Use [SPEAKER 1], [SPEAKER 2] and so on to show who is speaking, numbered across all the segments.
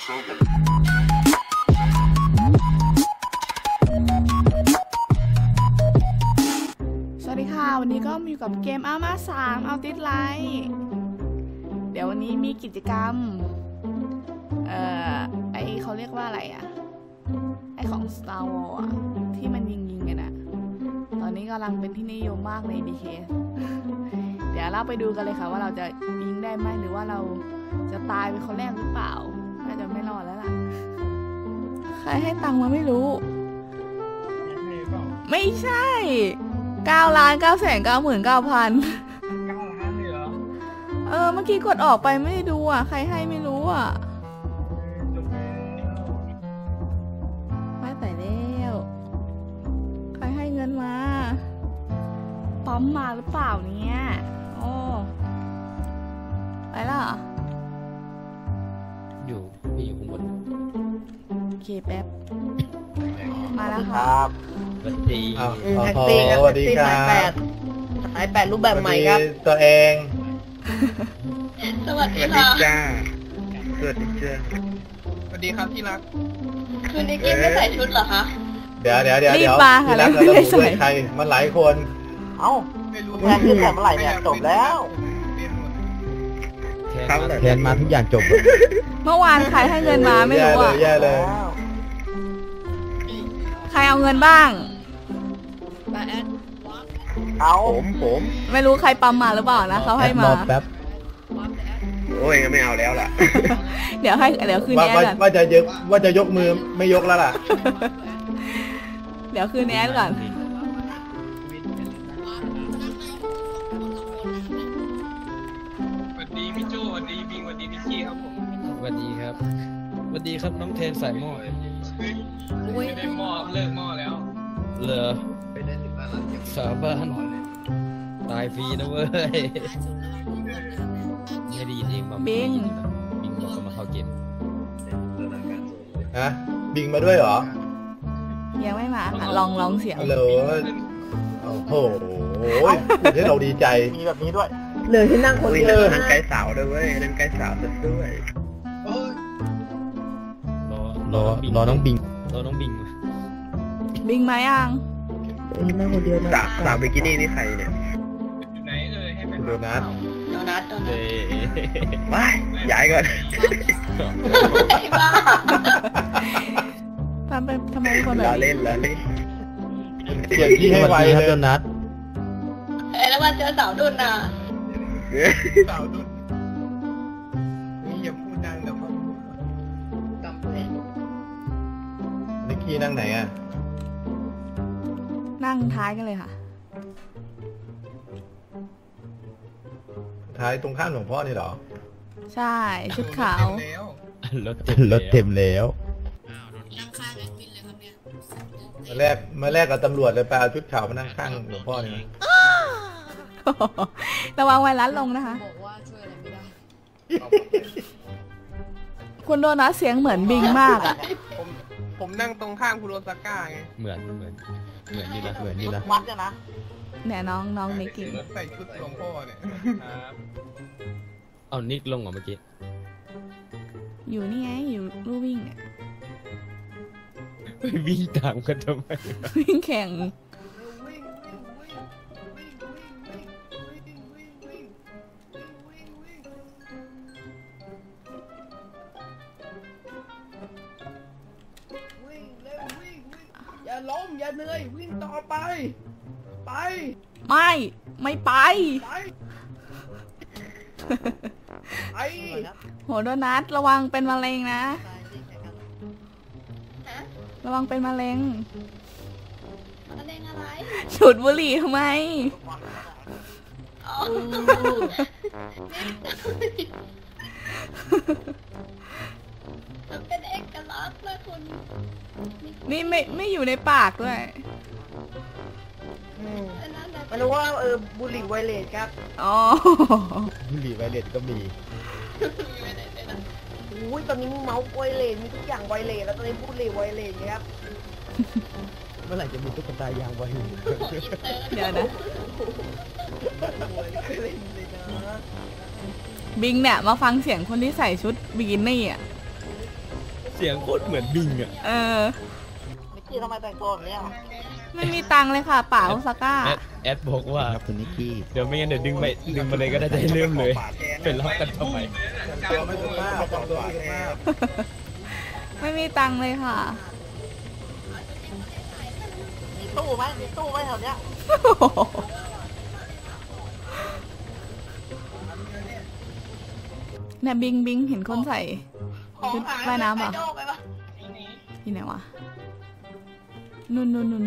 [SPEAKER 1] สวัสดีค่ะวันนี้ก็มีกับเกมอาม่า3เอาติดไลท์เดี๋ยววันนี้มีกิจกรรมไอเขาเรียกว่าอะไรอะไอของ Star Wars อะที่มันยิงกันอะตอนนี้กำลังเป็นที่นิยมมากใน BK เดี๋ยวเราไปดูกันเลยค่ะว่าเราจะยิงได้ไหมหรือว่าเราจะตายเป็นคนแรกหรือเปล่าน่าจะไม่รอดแล้วล่ะใครให้ตังค์มาไม่รู้ไม่ใช่9,999,000
[SPEAKER 2] 9 ล้านเลยเหรอ
[SPEAKER 1] เมื่อกี้กดออกไปไม่ได้ดูอ่ะใครให้ไม่รู้อ่ะไม่แต่แล้วใครให้เงินมาปั๊มมาหรือเปล่าเนี่ยโอ้ไปแล้วเหรอ
[SPEAKER 3] อยู่ข้างบน
[SPEAKER 1] โอเคแป๊บมาแล้วค่ะ
[SPEAKER 3] สวัสดี
[SPEAKER 4] แท็กซี่ครับสวัสดีครับสาย8รูปแบบใหม่ครับ
[SPEAKER 5] ตัวเอง
[SPEAKER 4] สวัสดีค่ะ
[SPEAKER 5] จ้าสวัสดีจ้า
[SPEAKER 2] สวัสดีครับที่รัก
[SPEAKER 4] คืนนี้กินไม่ใส่ชุดเหรอคะ
[SPEAKER 5] เดี๋ยว
[SPEAKER 1] รีบมาค่ะแล้ว
[SPEAKER 5] ไม่ได้ใส่ใครมันหลายคน
[SPEAKER 4] เอ้าแทนที่แต่เมื่อไหร่เนี่ยจบแล้ว
[SPEAKER 3] แทนมาทุกอย่างจบ
[SPEAKER 1] เมื่อวานใครให้เงินมาไม่รู้อ่ะ
[SPEAKER 5] แย่เลย
[SPEAKER 1] ใครเอาเงินบ้าง
[SPEAKER 4] เอา
[SPEAKER 5] ผม
[SPEAKER 1] ไม่รู้ใครปั๊มมาหรือเปล่านะเขาให้มา
[SPEAKER 3] แป๊บ
[SPEAKER 5] โอ้ยไม่เอาแล้วล่ะ
[SPEAKER 1] เดี๋ยวคืนนี้ก่อน
[SPEAKER 5] ว่าจะยกมือไม่ยกแล้วล่ะ
[SPEAKER 1] เดี๋ยวคืนนี้ก่อน
[SPEAKER 2] สวัสดีพี่โจสวัสดีบิงสวัสดีพี่กี้ครับผม
[SPEAKER 3] สวัสดีครับสวัสดีครับน้องเทนสายหม้อ
[SPEAKER 2] ไม่ได้หม้อเลิกหม้อแล้ว
[SPEAKER 3] เหรอสาบานตายฟรีนะเว้ยไม่ได้ยินเองมา
[SPEAKER 1] บิง
[SPEAKER 3] บอกเขามาเข้าเกม
[SPEAKER 5] ฮะบิงมาด้วยเหรอ
[SPEAKER 1] ยังไม่มาค่ะลองเสียง
[SPEAKER 5] ฮัลโหลโอ้โหที่เราดีใจ
[SPEAKER 4] มีแบบนี้ด้วยเลยที่นั่งคนเดียว
[SPEAKER 5] นั่งไกด์สาวด้วยเว้ยนั่งไกด์สาวด้วย
[SPEAKER 3] รอน้องบิง
[SPEAKER 1] บิงมายัง
[SPEAKER 4] นั่งคนเดียวนะ
[SPEAKER 5] สาวบิกินี่นี่ใครเนี่ย
[SPEAKER 2] อยู่ไหนให้ไป
[SPEAKER 5] โดนัท
[SPEAKER 4] ว้
[SPEAKER 5] ายย้ายก่อน
[SPEAKER 4] ไอ้บ้า
[SPEAKER 1] ทำไมคนแบบ
[SPEAKER 5] เล่นเปลี่ยนที่ให้ไวเลยโดนัท
[SPEAKER 4] แล้วมาเจอสาวดุนนะ
[SPEAKER 2] สาวดุนนี่อย่าพูดดังเดี๋ยวเขาจำเลย
[SPEAKER 5] นิกกี้นั่งไหนอ่ะ
[SPEAKER 1] นั่งท้ายกันเลยค่ะ
[SPEAKER 5] ท้ายตรงข้ามหลวงพ่อนี่เหรอ
[SPEAKER 1] ใช่ชุดขาว
[SPEAKER 3] รถเต็มแล้ว
[SPEAKER 4] นั่งข้างแอดมินเลยครับเนี่ย
[SPEAKER 5] มาแรกกับตำรวจเลยไปเอาชุดขาวมานั่งข้างหลวงพ่อนี่
[SPEAKER 1] ระวังไวรัสลงนะคะ
[SPEAKER 4] บอกว่าช่วยอะไรไม่ได้
[SPEAKER 1] คุณโดนัทเสียงเหมือนบิงมากอ่ะ
[SPEAKER 2] ผมนั่งตรงข้างคุณโรซาก้าไง
[SPEAKER 3] เหมือนนี่นะ
[SPEAKER 4] วัดนะ
[SPEAKER 1] เนี่ยน้องนิกกี้
[SPEAKER 2] ใส่ชุดหลวงพ่อเนี่ย
[SPEAKER 3] เอานิกลงเหรอเมื่อกี้
[SPEAKER 1] อยู่นี่ไงอยู่ลู่วิ่งเนี่ย
[SPEAKER 3] วิ่งตามกันทำไม
[SPEAKER 1] วิ่งแข่ง
[SPEAKER 4] อย่าล้มอย่าเหนื่อยวิ่งต่อไป
[SPEAKER 1] ไม่ไปโหโดนัทระวังเป็นมะเร็งนะระวังเป็นมะเร็ง
[SPEAKER 4] อะไร
[SPEAKER 1] ฉุดบุหรี่ทำไม
[SPEAKER 4] เป็นเอกลักษณ์เลยคุณ
[SPEAKER 1] นี่ไม่อยู่ในปากด้วย
[SPEAKER 4] ไม่รู้ว่าบุหรี่ไวเลสครับ
[SPEAKER 1] อ๋อ
[SPEAKER 5] บุหรี่ไวเลสก็มี
[SPEAKER 4] อุ้ยตอนนี้เมาส์ไวเลสมีทุกอย่างไวเลสแล้วตอนนี้บุหรี่ไวเลสครับ
[SPEAKER 3] เมื่อไหร่จะมีตุ๊กตายางไวเลส
[SPEAKER 1] เดี๋ยวนะบิงเนี่ยมาฟังเสียงคนที่ใส่ชุดบิกินี่อ่ะ
[SPEAKER 3] เสียงโคตรเหมือนบิงอ่ะ
[SPEAKER 4] นิกกี้ทำไมแต่งตัวแบบนี้อ่ะ
[SPEAKER 1] ไม่มีตังค์เลยค่ะป่าโอซาก้า
[SPEAKER 3] แอดบอกว่า
[SPEAKER 6] ครับคุณนิกกี้
[SPEAKER 3] เดี๋ยวไม่งั้นเดี๋ยวดึงมาเลยก็ได้จะเริ่มเลยเป็นล็อกกันทำไม
[SPEAKER 5] แต่งตัวไม่สุภาพแต่งตัวไม่สุภาพ
[SPEAKER 1] ไม่มีตังค์เลยค่ะ
[SPEAKER 4] มีตู้ไหมมีตู้ไหมแถวเนี้ย
[SPEAKER 1] เนี่ยบิงเห็นคนใส่ชุดว่ายน้ำป่ะที่ไหนวะนู่น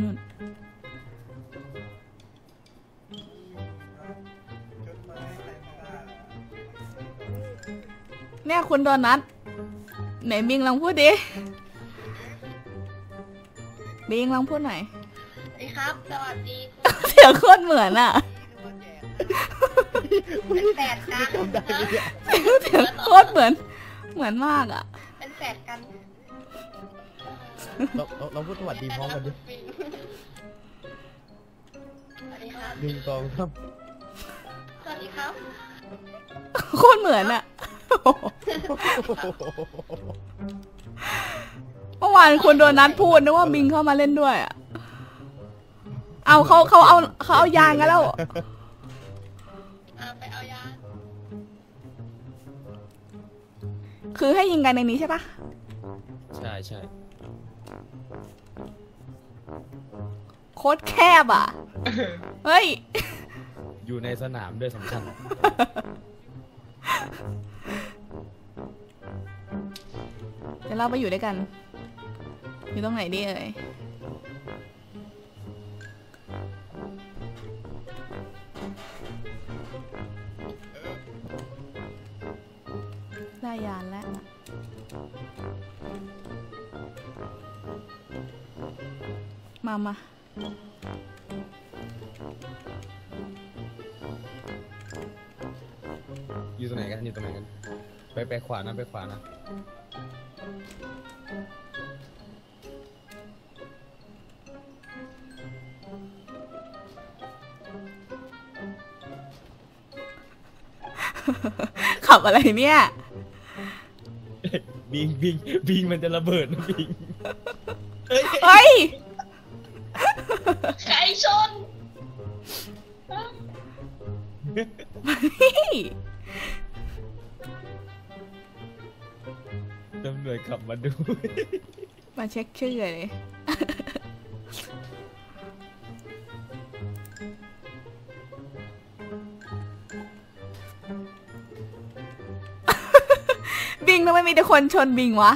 [SPEAKER 1] เนี่ยคุณโดนัทไหนบิงลองพูดดิบิงลองพูดหน่อย
[SPEAKER 7] สวัสดีครับ สวัสดี
[SPEAKER 1] เสียงโคตรเหมือนอ่ะ
[SPEAKER 7] เป็นแฝดกันนะ
[SPEAKER 1] เสียงโคตรเหมือนมากอ่ะ
[SPEAKER 7] เป็นแฝดกัน
[SPEAKER 6] เราพูดสวัสดีพร้อมกันดิ
[SPEAKER 7] สวัสดีครับ
[SPEAKER 6] หนึ่งสองสาม
[SPEAKER 7] สวัสดีครับ
[SPEAKER 1] โคตรเหมือนอ่ะเมื่อวานคุณโดนัทพูดนึกว่าบิงเข้ามาเล่นด้วยอ่ะเอาเขาเอายางกันแล้ว
[SPEAKER 7] ไปเอายา
[SPEAKER 1] คือให้ยิงกันในนี้ใช่ปะ
[SPEAKER 3] ใช่
[SPEAKER 1] โคตรแคบอ่ะ เฮ้ย
[SPEAKER 3] อยู่ในสนามด้วยสำคัญ
[SPEAKER 1] เดี๋ยวเราไปอยู่ด้วยกัน อยู่ตรงไหนดีเอ่ยได้ยานแล้ว มา
[SPEAKER 3] อยู่ตรงไหนกันไปขวานะไปขวานะ
[SPEAKER 1] ขับอะไรเนี่ย
[SPEAKER 3] บิงมันจะระเบิดนะบิง
[SPEAKER 1] เฮ้ย
[SPEAKER 7] ไก่ชน
[SPEAKER 3] ตำรวจขับมาดู
[SPEAKER 1] มาเช็คชื่อเลย บิงทำไมมีแต่คนชนบิงวะ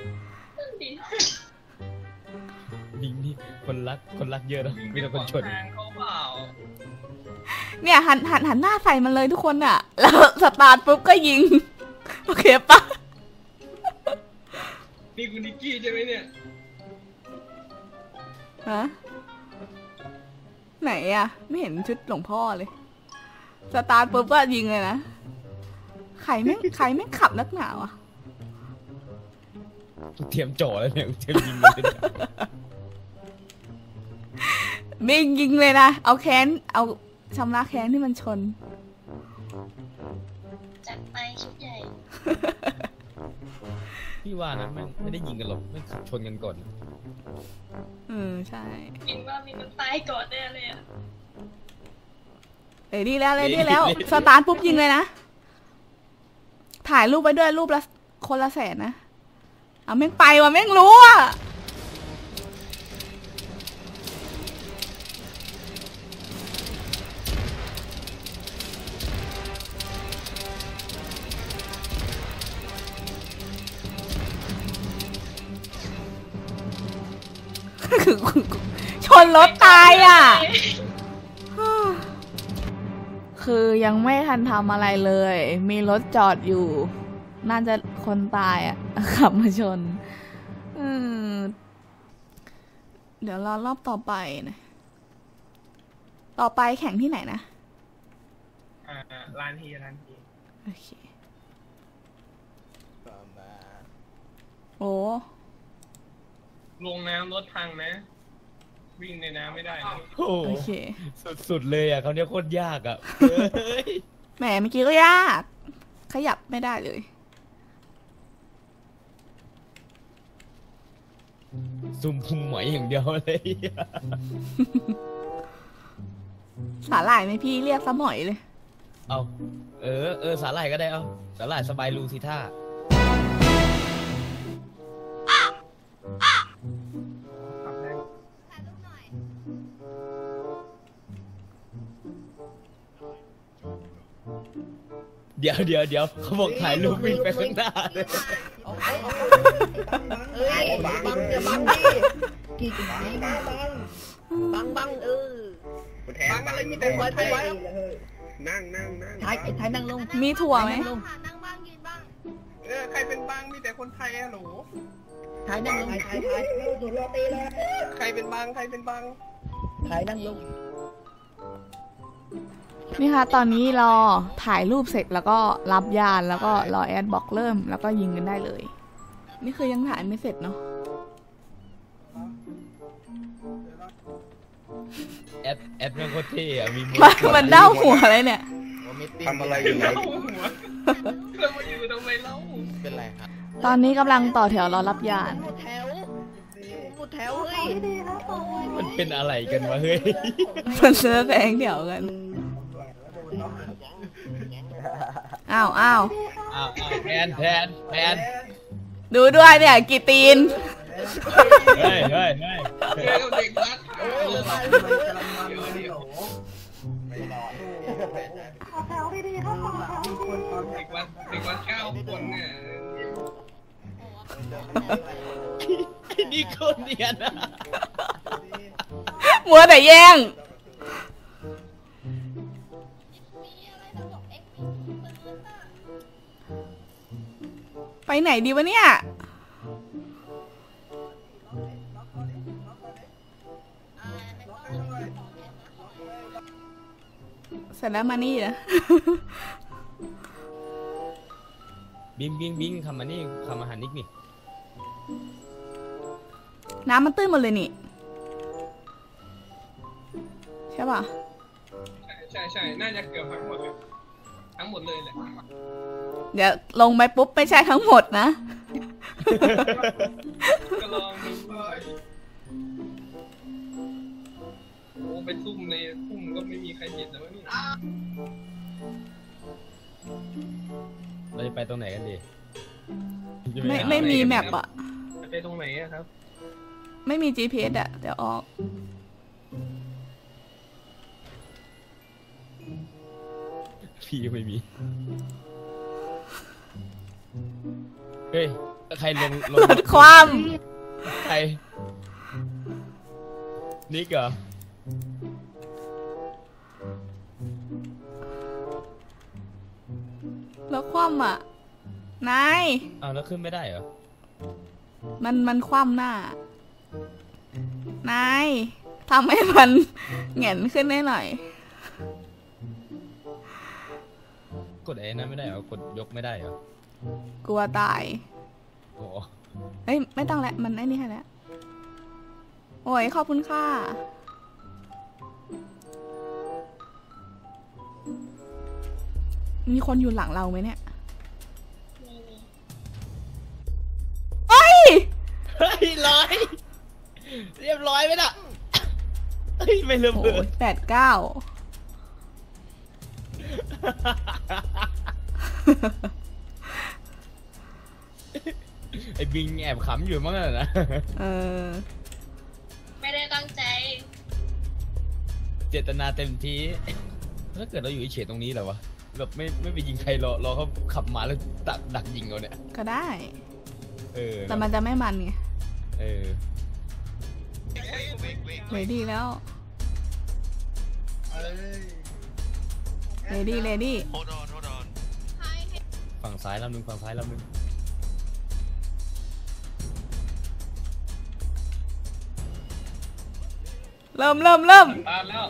[SPEAKER 3] บิงนี่คนรักเยอะนะมีแต่คนชน
[SPEAKER 1] เนี่ยหันหน้าใส่มันเลยทุกคนอ่ะ แล้วสตาร์ทปุ๊บก็ยิง โอเคปะ
[SPEAKER 2] นี่คุณนิกกี้ใช่ไหมเนี่ย
[SPEAKER 1] ฮะไหนอ่ะ ไม่เห็นชุดหลวงพ่อเลย สตาร์ทปุ๊บก็ยิงเลยนะใครไม่ขับนักหนาวะ
[SPEAKER 3] เตรียมจ่อแล้วเนี่ยเตรียมยิงเลยเนี่ย
[SPEAKER 1] บิงยิงเลยนะ เอาแค้น เอาชำระแค้นที่มันชน
[SPEAKER 7] จัดไปชุดใหญ่
[SPEAKER 3] พี่ว่านะไม่ได้ยิงกันหรอกไม่ขับชนกันก่อน
[SPEAKER 1] ใช่
[SPEAKER 7] คิดว่ามีมันตายก่อนแน่เลยอ่ะ
[SPEAKER 1] ดีแล้ว สตาร์ทปุ๊บยิงเลยนะ ถ่ายรูปไปด้วยรูปละคนละ100,000นะเอาแม่งไปว่ะแม่งรู้อ่ะ ชนรถตายอ่ะ คือยังไม่ทันทำอะไรเลย มีรถจอดอยู่ น่าจะคนตายอ่ะ ขับมาชน เดี๋ยวรอรอบต่อไปนะ ต่อไปแข่งที่ไหนนะ
[SPEAKER 2] ร้านที
[SPEAKER 1] โอเค โอ้
[SPEAKER 2] ลงน้ำรถพังนะ วิ่งในน้ำไม่ได้นะ
[SPEAKER 3] โอ้โห
[SPEAKER 1] โอเค
[SPEAKER 3] สุดเลยอ่ะเขาเนี่ยโคตรยากอ่ะ
[SPEAKER 1] แหมเมื่อกี้ก็ยาก ขยับไม่ได้เลย
[SPEAKER 3] ซุ่มพุงหมอยอย่างเดียวเลย
[SPEAKER 1] สาหร่ายไหมพี่เรียกซะหมอยเลย
[SPEAKER 3] เอาสาหร่ายก็ได้เอาสาหร่ายสบายรูสิท่าเดี๋ยวเขาบอกถ่ายรูปวิ่งไปข้างหน้าเลย
[SPEAKER 4] เอ้ยบังอย่าบังดิบัง
[SPEAKER 2] บังอะไรมีแต่คนไทยนั่ง
[SPEAKER 4] ถ่ายนั่งลง
[SPEAKER 1] มีถั่วไหม
[SPEAKER 7] นั่งบ้างยืนบ้าง
[SPEAKER 2] ใครเป็นบังมีแต่คนไทยอะหนู
[SPEAKER 4] ถ่ายนั่งลงถ่ายถั่วโรตีเลย
[SPEAKER 2] ใครเป็นบัง
[SPEAKER 4] ถ่ายนั่งลง
[SPEAKER 1] นี่ค่ะตอนนี้รอถ่ายรูปเสร็จแล้วก็รับยานแล้วก็รอแอดบล็อกเริ่มแล้วก็ยิงกันได้เลย นี่คือยังถ่ายไม่เสร็จเนาะ
[SPEAKER 3] แอดแม่งโคตรเท่อะมีมื
[SPEAKER 1] มันเด้าหัวเลยเนี่ย
[SPEAKER 5] ทำอะไรอยู่ไหน
[SPEAKER 2] เรามาอยู่ทำไมเล่า
[SPEAKER 6] เป็นไรครับ
[SPEAKER 1] ตอนนี้กำลังต่อแถวรอรับยาน
[SPEAKER 4] หมดแถวเฮ้ย
[SPEAKER 3] มันเป็นอะไรกันวะเฮ้ย
[SPEAKER 1] มันเสื้อแดงเดี๋ยวกันอ้าว
[SPEAKER 3] แทน
[SPEAKER 1] ดูด้วยเนี่ยกี่ตีน
[SPEAKER 3] เฮ้ย
[SPEAKER 2] เด็กรักเด็กวัด9 คนเนี่ย
[SPEAKER 3] นี่คนเนียนอะ
[SPEAKER 1] มัวแต่แย่ง ไปไหนดีวะเนี่ย เสร็จแล้วมานี่นะ
[SPEAKER 3] บิงคำมานี่คำอาหารนิกนี่
[SPEAKER 1] น้ำมันตื้นหมดเลยนี่ ใช่ป่ะ
[SPEAKER 2] ใช่น่าจะเกือบทั้งหมดเลยแหละ
[SPEAKER 1] เดี๋ยวลงไปปุ๊บไม่ใช่ทั้งหมดนะ
[SPEAKER 2] ก็ลองดูโอ้ไปซุ่มในซุ่มก็ไม่มีใครเห็นแล้วนี่
[SPEAKER 3] เราจะไปตรงไหนกันดี
[SPEAKER 1] ไม่มีแมปอะ
[SPEAKER 2] ไปตรงไหนอะครับ
[SPEAKER 1] ไม่มี GPS อะเดี๋ยวออก
[SPEAKER 3] พี่ไม่มี เฮ้ยใครลง
[SPEAKER 1] รถความ
[SPEAKER 3] ใครนิกเหรอ
[SPEAKER 1] รถความอะนาย
[SPEAKER 3] อ้าวแล้วขึ้นไม่ได้เหรอ
[SPEAKER 1] มันคว่ำหน้า นายทำให้มันแหงนขึ้นได้หน่อย
[SPEAKER 3] กดไอ้นั้นไม่ได้เหรอกดยกไม่ได้เหรอก
[SPEAKER 1] ลัวตาย
[SPEAKER 3] โอ้
[SPEAKER 1] เอ้ยไม่ต้องแล้วมันไอ้นี่ให้แล้ว โอ้ยขอบคุณค่ะ มีคนอยู่หลังเราไหมเนี่ย เฮ้ย
[SPEAKER 3] เฮ้ยเรียบร้อยไหมน่ะเฮ้ยไม่ระเบิด
[SPEAKER 1] 89
[SPEAKER 3] ไอ้บิงแอบขำอยู่มั้งน่ะนะ
[SPEAKER 1] เออ
[SPEAKER 7] ไม่ได้ตั้งใจ
[SPEAKER 3] เจตนาเต็มที่ถ้าเกิดเราอยู่เฉยๆตรงนี้เหรอวะแบบไม่ไปยิงใครรอเขาขับมาแล้วดักยิงเราเนี่ย
[SPEAKER 1] ก็ได้
[SPEAKER 3] เออ
[SPEAKER 1] แต่มันจะไม่มันไง
[SPEAKER 3] เออ
[SPEAKER 1] เรดี้แล้วเรดี้
[SPEAKER 3] ฝั่งซ้ายลำหนึ่งฝั่งซ้ายลำหนึ่ง
[SPEAKER 1] เริ่ม
[SPEAKER 2] ตามแล้ว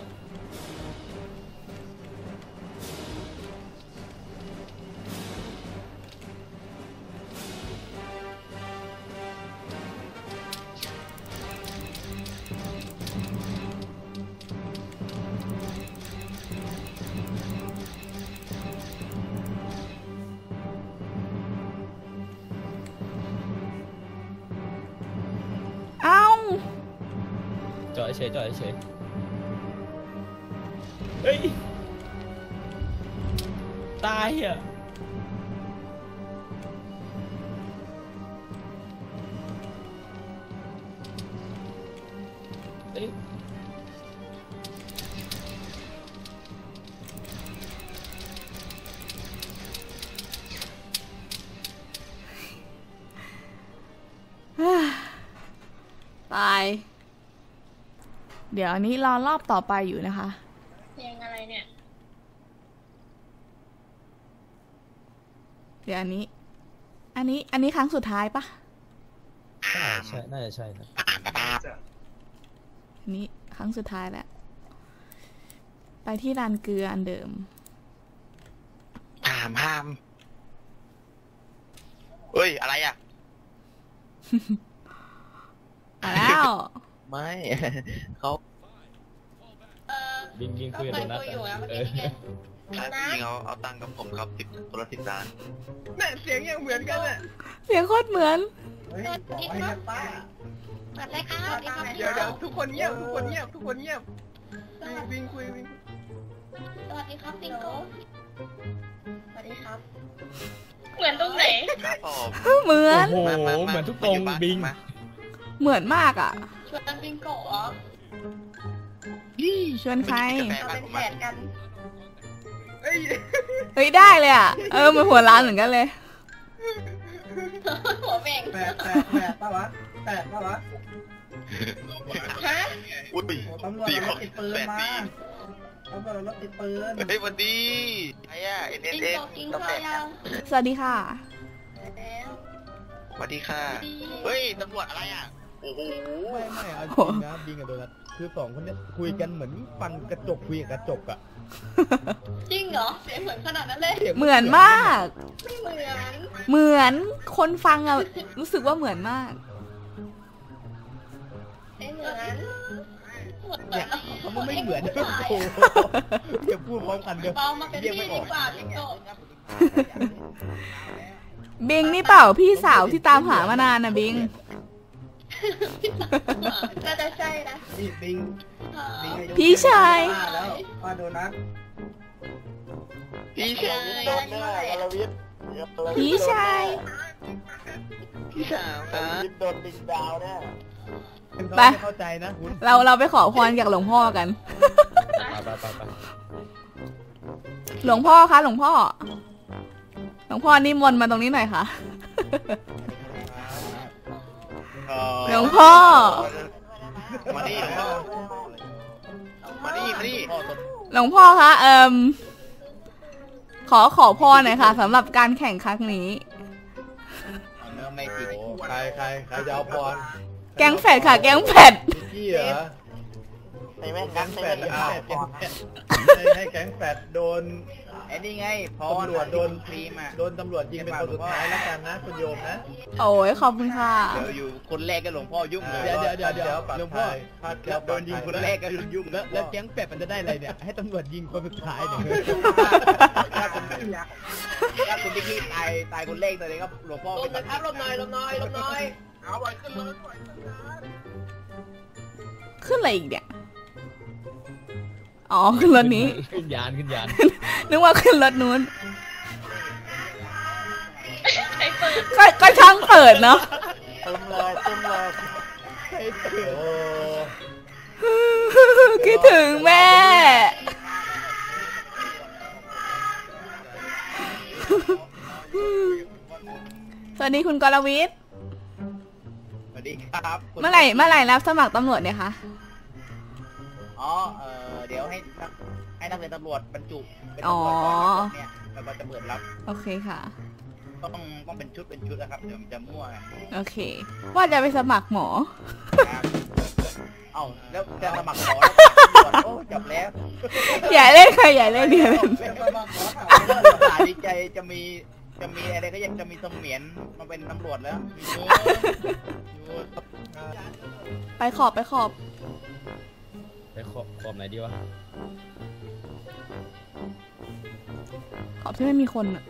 [SPEAKER 3] เฉยจอดเฉยเฮ้ยตายอ่ะเอ้ย
[SPEAKER 1] ตาย เดี๋ยวอันนี้รอรอบต่อไปอยู่นะคะ
[SPEAKER 7] เพลงอะไรเนี่ย
[SPEAKER 1] เดี๋ยวอันนี้ครั้งสุดท้ายปะ
[SPEAKER 3] ใช่น่าจะใช่นะ
[SPEAKER 1] อันนี้ครั้งสุดท้ายแล้ว ไปที่ลานเกลืออันเดิม
[SPEAKER 8] ห้ามเฮ้ย อะไรอ่ะ
[SPEAKER 1] มาแล้ว
[SPEAKER 6] ไม่ เขา
[SPEAKER 3] บิงคุยกับโดนัท
[SPEAKER 7] ก็คุยอยู่นะเมื่อ
[SPEAKER 3] เอ
[SPEAKER 7] กี้
[SPEAKER 3] อ
[SPEAKER 7] นี่ไง
[SPEAKER 8] จริงเอาตังค์กับผมครับคนละ10 ล้าน
[SPEAKER 2] แม่เสียงยังเหมือนกันอ่ะ
[SPEAKER 1] เสียงโคตรเหมือน
[SPEAKER 4] เฮ้ยบอกให้นะป้า
[SPEAKER 7] เปิดเลยครับดีครับ
[SPEAKER 2] เดี๋ยวทุกคนเงียบทุกคนเงียบทุกคนเงียบวิ่งคุยวิ่ง
[SPEAKER 7] สวัสดีครับสิงโตสวัสดีครับ เหมือนตรงไหน
[SPEAKER 8] ครับผม
[SPEAKER 1] เหมือน
[SPEAKER 3] โอ้โหเหมือนทุกตรงบิง
[SPEAKER 8] มา
[SPEAKER 1] เหมือนมากอ่ะ
[SPEAKER 7] ชวนบิงโกะเหรอ
[SPEAKER 1] ชวนใคร
[SPEAKER 7] เอาเป็นแผนกัน
[SPEAKER 2] เอ้ย
[SPEAKER 1] เฮ้ยได้เลยอ่ะ เหมือนหัวร้านเหมือนกันเลย
[SPEAKER 7] หัวเบ่ง
[SPEAKER 4] แปดป่ะวะ
[SPEAKER 7] ฮะ
[SPEAKER 8] อุ้ย
[SPEAKER 4] ตำรวจ
[SPEAKER 8] 4
[SPEAKER 4] รถติดปืน
[SPEAKER 8] 8
[SPEAKER 4] มา
[SPEAKER 8] ปี
[SPEAKER 4] ตำรวจรถติดปืน
[SPEAKER 8] เฮ้ยวันดีไอ้อะ
[SPEAKER 7] บิง
[SPEAKER 8] NSS
[SPEAKER 7] โกะกินข้าวยัง
[SPEAKER 1] สวัสดีค่ะ
[SPEAKER 7] แล้ว
[SPEAKER 8] สวัสดีค่ะ เฮ้ยตำรวจอะไรอ่ะ โอ้โห
[SPEAKER 6] ไม่เอาจริงนะบิงกับโดนัทคือสองคนเนี้ยคุยกันเหมือนฟังกระจกคุยกับกระจกอะ
[SPEAKER 7] จริงเหรอ เสียงเหมือนขนาดนั้นเลย
[SPEAKER 1] เหมือนมาก
[SPEAKER 7] ไม่เหมือน
[SPEAKER 1] เหมือนคนฟังอ่ะ รู้สึกว่าเหมือนมาก
[SPEAKER 7] ไม่เหมือน
[SPEAKER 6] เนี่ยเขาไม่เหมือน
[SPEAKER 7] ไม่
[SPEAKER 6] โอ้โหอย่าพูดพร้อมกันเดี๋ยว
[SPEAKER 7] เบามาเป็นพี่ดีกว่าบิงโกะ
[SPEAKER 1] บิงนี่เปล่าพี่สาวที่ตามหามานานนะบิง
[SPEAKER 7] น่าจะใช่นะ
[SPEAKER 4] นี่บิง
[SPEAKER 1] พี่ชาย
[SPEAKER 4] ป้าแล้วป้าโดนัท
[SPEAKER 8] พี่ชาย
[SPEAKER 1] พี่ชาย
[SPEAKER 8] พี่สาวครับ
[SPEAKER 6] โดนดิงดาวแน่
[SPEAKER 1] ไป
[SPEAKER 6] ไม่เข้าใจนะคุณ
[SPEAKER 1] เราไปขอพรจากหลวงพ่อกัน
[SPEAKER 3] ไป
[SPEAKER 1] หลวงพ่อคะหลวงพ่อ หลวงพ่อนิมนต์มาตรงนี้หน่อยค่ะ หลวงพ่อ
[SPEAKER 8] มาดิมาดิมาดิ
[SPEAKER 1] หลวงพ่อคะขอพรหน่อยค่ะสำหรับการแข่งครั้งนี้
[SPEAKER 8] ไม่ติด
[SPEAKER 5] โอ้ใครจะเอาพร
[SPEAKER 1] แก๊งแฟดค่ะ แก๊งแฟด
[SPEAKER 5] นิกกี้เหรอ
[SPEAKER 8] ในแม่
[SPEAKER 5] แก๊งแฟดให้แก๊งแฟดโดน
[SPEAKER 8] ไอ้นี่ไงพ
[SPEAKER 5] ตำรวจโดน
[SPEAKER 8] ครีมอ่ะ
[SPEAKER 5] โดนตำรวจยิงเป็นคนสุดท้ายแล้วกันนะคุณโยมนะ
[SPEAKER 1] โอ้ยขอบคุณค่ะ
[SPEAKER 8] เดี๋ยวอยู่คนแรกก็หลวงพ่อยุ่งเลย
[SPEAKER 6] เดี๋ยวหลวงพ่อ
[SPEAKER 5] พาด
[SPEAKER 8] แล้วโดนยิงคนแรกก็ยุ่ง
[SPEAKER 6] แล้วแก๊งเป็ดมันจะได้อะไรเนี่ย ให้ตำรวจยิงคนสุดท้ายเนี่ย
[SPEAKER 8] ถ้าคุณที่ตายคนแรกเลยครับหลวงพ่อ
[SPEAKER 4] ลมนะครับลมหน่อย
[SPEAKER 2] เอาไว้ขึ้นรถไว้
[SPEAKER 1] ขึ้นอะไรอีกเนี่ย อ๋อ ขึ้นรถนี้
[SPEAKER 3] ขึ้นยาน
[SPEAKER 1] นึกว่าขึ้นรถนู้น
[SPEAKER 7] ใครเปิด
[SPEAKER 1] ก็ช่างเปิดเนาะ
[SPEAKER 6] เต็มเลยให้ตื่น
[SPEAKER 5] โอ้
[SPEAKER 1] คิดถึงแม่ สวัสดีคุณกรวิทย์
[SPEAKER 8] สวัสดีครับ
[SPEAKER 1] เมื่อไหร่รับสมัครตำรวจเนี่ยคะ
[SPEAKER 8] อ๋อเดี๋ยวให้นักเรียนตำรวจบรรจุเป็น
[SPEAKER 1] อ๋อ
[SPEAKER 8] ตำรวจก่อนนะครับเนี่ยแล้วก็จะเปิดรับ
[SPEAKER 1] โอเคค่ะ
[SPEAKER 8] ต้องเป็นชุดนะครับเดี๋ยวมันจะมั่วไง
[SPEAKER 1] โอเค ว่าจะไปสมัครหมอ
[SPEAKER 8] ครับเอ้าแล้วจะสมัครหมอแล้วโอ้จบแล้ว
[SPEAKER 1] อย่าเล่นค่ะอย่าเล่นเดี๋ยวเล่น
[SPEAKER 8] สาดีใจจะมีอะไรก็ยังจะมีเสมียนมาเป็นตำรวจแล้ว
[SPEAKER 1] ไปขอบ
[SPEAKER 3] ไปขอบไหนดีวะ
[SPEAKER 1] ขอบที่ไม่มีคนอะ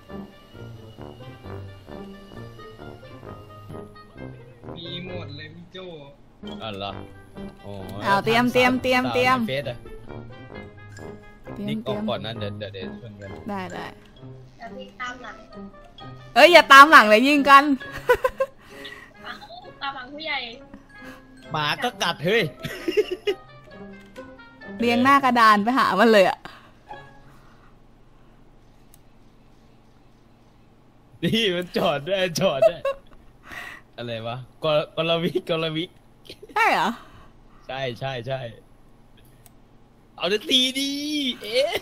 [SPEAKER 2] มีหมดเลยพี่เจโจ้
[SPEAKER 3] อ๋อเหรออ๋อ
[SPEAKER 1] เอาเตรียม
[SPEAKER 3] สาวในเฟซอะ นี่ออกก่อนนะเดี๋ยวชวนกัน
[SPEAKER 1] ได้
[SPEAKER 7] เดี๋ยวพี่ตามหลัง
[SPEAKER 1] เอ้ยอย่าตามหลังเลยยิงกัน
[SPEAKER 7] ตามหลังผู้ใหญ่
[SPEAKER 3] หมาก็กัดเฮ้ย
[SPEAKER 1] เรียงหน้ากระดานไปหามันเลยอะ
[SPEAKER 3] นี่มันจอดด้วยอะไรวะกลวิก
[SPEAKER 1] ใช่เหรอ
[SPEAKER 3] ใช่เอาจะตีดีเอ๊ะ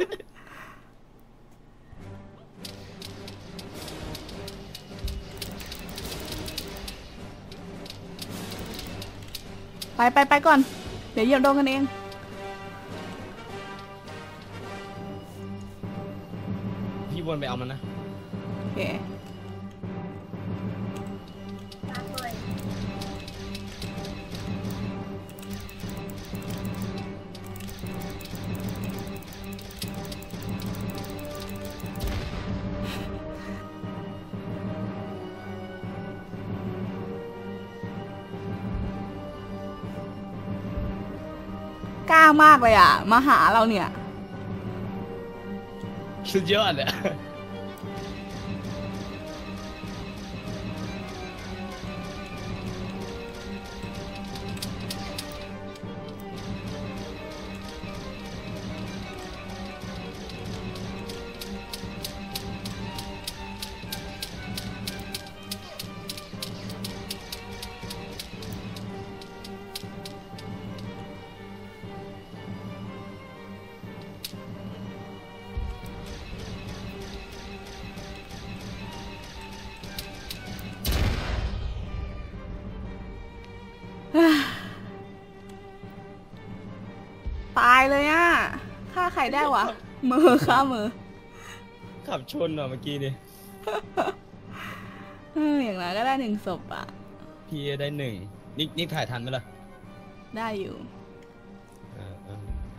[SPEAKER 1] ไปก่อน เดี๋ยวเหยียบโดนกันเอง
[SPEAKER 3] พี่วนไปเอามันนะ
[SPEAKER 1] โอเค
[SPEAKER 7] ตามหน่อย
[SPEAKER 1] กล้ามากเลยอ่ะ มาหาเราเนี่ย
[SPEAKER 3] สุดยอดอะ
[SPEAKER 1] ตายเลยอ่ะฆ่าใครได้วะ มือฆ่ามือ
[SPEAKER 3] ขับชนอ่ะเมื่อกี้นี่
[SPEAKER 1] อย่างนั้นก็ได้1 ศพอ่ะ
[SPEAKER 3] พี่ได้1นี่ถ่ายทันไหมล่ะ
[SPEAKER 1] ได้อยู่
[SPEAKER 3] เออ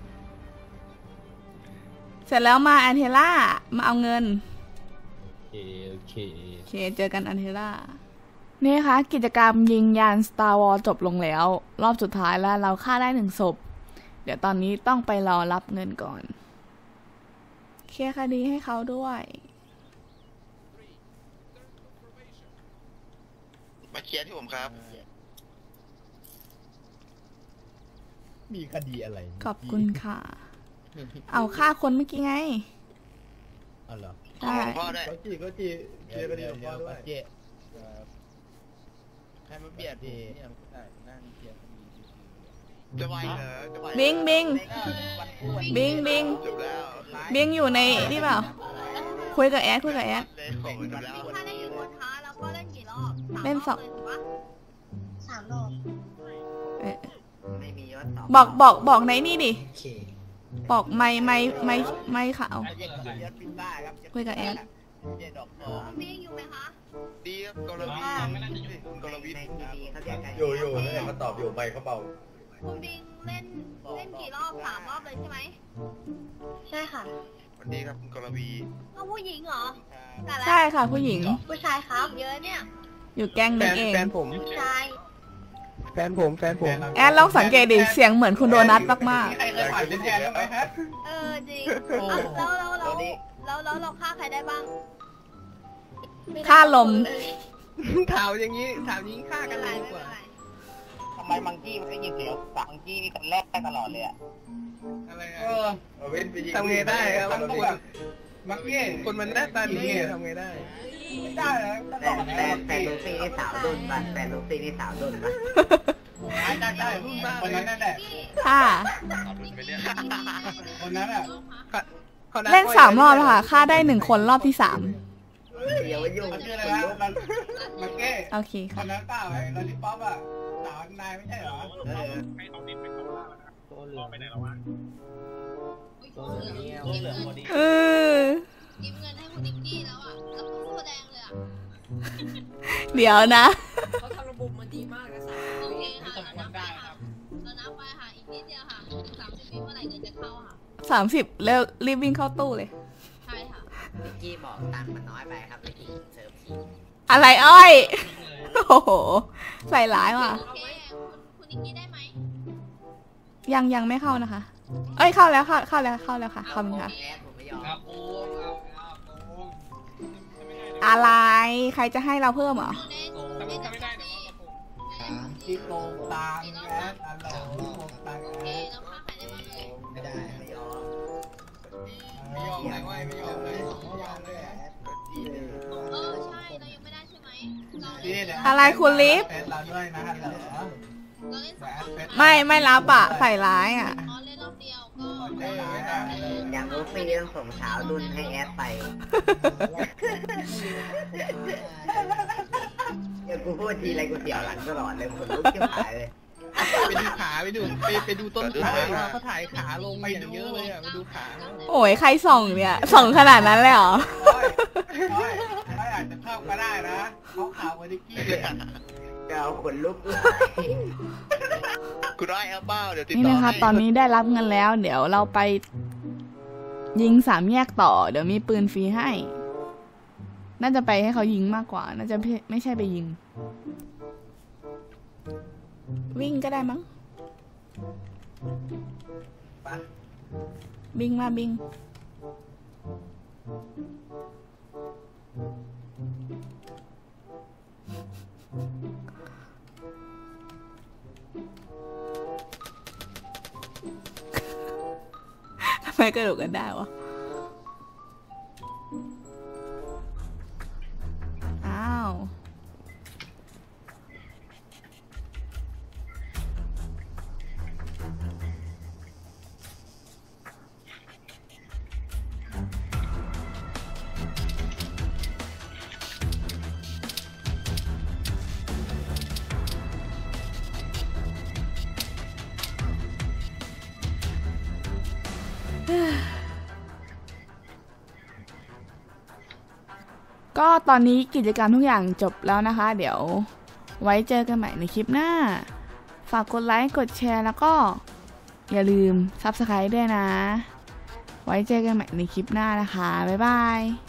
[SPEAKER 1] เสร็จแล้วมาแอนเทล่า มาเอาเงิน
[SPEAKER 3] โอเค
[SPEAKER 1] โอเค เจอกันอันเทล่า นี่ค่ะ กิจกรรมยิงยาน Star Wars จบลงแล้ว รอบสุดท้ายแล้วเราฆ่าได้1 ศพ เดี๋ยวตอนนี้ต้องไปรอรับเงินก่อน เคลียร์คดีให้เขาด้วย
[SPEAKER 8] มาเคลียร์ที่ผมครับ
[SPEAKER 6] มีคดีอะไร
[SPEAKER 1] ขอบคุณค่ะ เอาฆ่าคนเมื่อกี้ไง
[SPEAKER 6] อ๋อเหรอ
[SPEAKER 1] ใช่
[SPEAKER 8] พ่อด้วย
[SPEAKER 5] ก็จีเคลียร์คดีของพ่อด้วย
[SPEAKER 6] เจ๊
[SPEAKER 8] ใครมาเบียด
[SPEAKER 6] เจ๊
[SPEAKER 8] จะไหวเหรอจะไหว
[SPEAKER 1] บิงบิงบิงบิง
[SPEAKER 8] จบแล้ว
[SPEAKER 1] บิงอยู่ในนี่เปล่า คุยกับแอด
[SPEAKER 8] เลยโอ้ยจบแล้ว
[SPEAKER 7] ถ้าได้ยินคนท้าแล้วก็เล่นกี่รอบ
[SPEAKER 1] เล่นสอง
[SPEAKER 7] 3 รอบ
[SPEAKER 1] เอ๊ะ
[SPEAKER 8] ไม่มียศ
[SPEAKER 1] บอกในนี่ดิ บอกไม่ขาว
[SPEAKER 8] ยศพิซซ่าครับ
[SPEAKER 1] คุยกับแอด
[SPEAKER 8] เจ๊ดอกท
[SPEAKER 7] คุ
[SPEAKER 8] อง
[SPEAKER 7] ณบิ๊กอยู่ไหมคะ
[SPEAKER 8] ดีครับกรวีกรวีเขาเรียกกัน
[SPEAKER 5] อยู่นั่นแหละเขาตอบอยู่ไปเขาเบา
[SPEAKER 7] คุณบิ๊กเล่นกี่รอบ3 รอบเลยใช่ไหม ใช่ค่ะ
[SPEAKER 8] สวัสดีครับคุณกรวี
[SPEAKER 7] ก็ผู้หญิงเหรอแต่ละ
[SPEAKER 1] ใช่ค่ะ ผู้หญิง
[SPEAKER 7] ผู้ชายครับ เยอะเนี่ย
[SPEAKER 1] อยู่แก๊งนึงเอง
[SPEAKER 7] ผู้ชาย
[SPEAKER 6] แฟนผม
[SPEAKER 1] แอดลองสังเกตดิ เสียงเหมือนคุณโดนัทมาก
[SPEAKER 2] ใครเคยผ่านเป็นแทนแล้วไหมฮะ
[SPEAKER 7] จริงแล้วเราฆ่าใครได้บ้าง
[SPEAKER 1] ๆ ค่าลม
[SPEAKER 2] ถามอย่างนี้ฆ่ากันเลยดีกว่า
[SPEAKER 8] ทำไมมังกี้มันได้ยินเสียงมังกี้นี่กันแรกได้ตลอดเลยอ่ะ
[SPEAKER 2] อะไร
[SPEAKER 5] เอาเว้นไปยิง
[SPEAKER 2] ทำไงได้ครับมักเก้คนมันหน้าตาดีทำไงได้ไม่ได้เลย
[SPEAKER 8] แต่ลูซี่นี่สาวดุนป่ะแต่ลูซี่นี่สาวดุนป่ะ
[SPEAKER 2] ได้รุ่นมากคนนั้นนั่นแหละ
[SPEAKER 1] ค่ะ
[SPEAKER 2] คนนั้นอ่ะ
[SPEAKER 1] เล่น3 รอบแล้วค่ะ ฆ่าได้1 คนรอบที่
[SPEAKER 8] เดี๋ยวยุ่ง
[SPEAKER 2] ชื่ออะไรนะมักเก้
[SPEAKER 1] 3 โอเค
[SPEAKER 2] ค
[SPEAKER 1] ค่ะ
[SPEAKER 2] นนั้นเปล่าไอ้ลอลิปป๊อปอ่ะสาวนายไม่ใช่เหรอ
[SPEAKER 1] เออ
[SPEAKER 7] ยืมเงินให้คุณดิกกี้แล้วอ่ะ แล้วคุณแสดงเลยอ่ะ
[SPEAKER 1] เดี๋ยวนะ
[SPEAKER 9] เขาทำระบบมาดีมากนะสาม
[SPEAKER 7] โอเคค่ะเรานับไปค่ะเรานับไปค่ะ อีกนิดเดียวค่ะ30 วิเมื่อไหร่เงินจะเข้าค่ะ
[SPEAKER 1] 30แล้วรีบวิ่งเข้าตู้เลย
[SPEAKER 7] ใช่ค่ะ
[SPEAKER 8] กี้บอกตังค์มันน้อยไปครับไม่ถึงเซิร์ฟที
[SPEAKER 1] อะไรอ้อยโอ้โห ใส่ร้ายว่ะ
[SPEAKER 7] โอเคคุณนิกกี้ได้ไหม
[SPEAKER 1] ยังไม่เข้านะคะ เอ้ยเข้าแล้วเข้าแล้วค่ะขอบคุณค่ะ อะไรใครจะให้เราเพิ่มเหรอ
[SPEAKER 7] ในจับที่
[SPEAKER 2] ที่โกงตังแอดอันหลงโกงตัง
[SPEAKER 7] โอ
[SPEAKER 2] แอ
[SPEAKER 7] เค
[SPEAKER 2] ด
[SPEAKER 7] แล้วฆ่าใครได้บ้างเลย
[SPEAKER 2] ไม่ได้ไม่ยอมไม่ยอมเลยไม่ยอมเลยไม่ยอมเลย
[SPEAKER 7] ใช่เรายังไม่ได้ใช่ไหมเรา
[SPEAKER 2] นี่เนี่ย
[SPEAKER 1] อะไรคุณลิฟ
[SPEAKER 2] แอดเราด้วยนะเหรอ
[SPEAKER 7] เล่นสอง
[SPEAKER 1] ไม่รับอ่ะใส่ร้ายอ่ะ
[SPEAKER 7] เล่นรอบเดียวก็
[SPEAKER 10] อย่างลูฟี่ต้องส่งสาวดุนให้แอดไปเดี๋ยวกูพูดทีไรกูเสียวหลังตลอดเลยขนลุกจะหายเลย
[SPEAKER 6] ไปดูขาไปดูต้นขาเขาถ่ายขาลงมาอย่างเยอะเลยอ่ะไปดูขา
[SPEAKER 1] โอ้ยใครส่องเนี่ยส่องขนาดนั้นเลยเหรอ
[SPEAKER 2] เขาอาจจะเข้าก็ได้นะเขาข่าววานิกี้เลย
[SPEAKER 10] จะเอาขนลุกเลย
[SPEAKER 8] คุณได้ครับเป้าเดี๋ยวติด
[SPEAKER 1] นี่
[SPEAKER 8] ต่อ
[SPEAKER 1] นะคะ
[SPEAKER 8] ให้
[SPEAKER 1] ตอนนี้ได้รับเงินแล้ว เดี๋ยวเราไปยิง3 แยกต่อ เดี๋ยวมีปืนฟรีให้ น่าจะไปให้เขายิงมากกว่า น่าจะไม่ใช่ไปยิง วิ่งก็ได้มั้งบิงมาบิงทำไมกระโดดกันได้วะ อ้าว ก็ตอนนี้กิจกรรมทุกอย่างจบแล้วนะคะ เดี๋ยวไว้เจอกันใหม่ในคลิปหน้า ฝากกดไลค์กดแชร์แล้วก็อย่าลืม Subscribe ด้วยนะ ไว้เจอกันใหม่ในคลิปหน้านะคะ บ๊ายบาย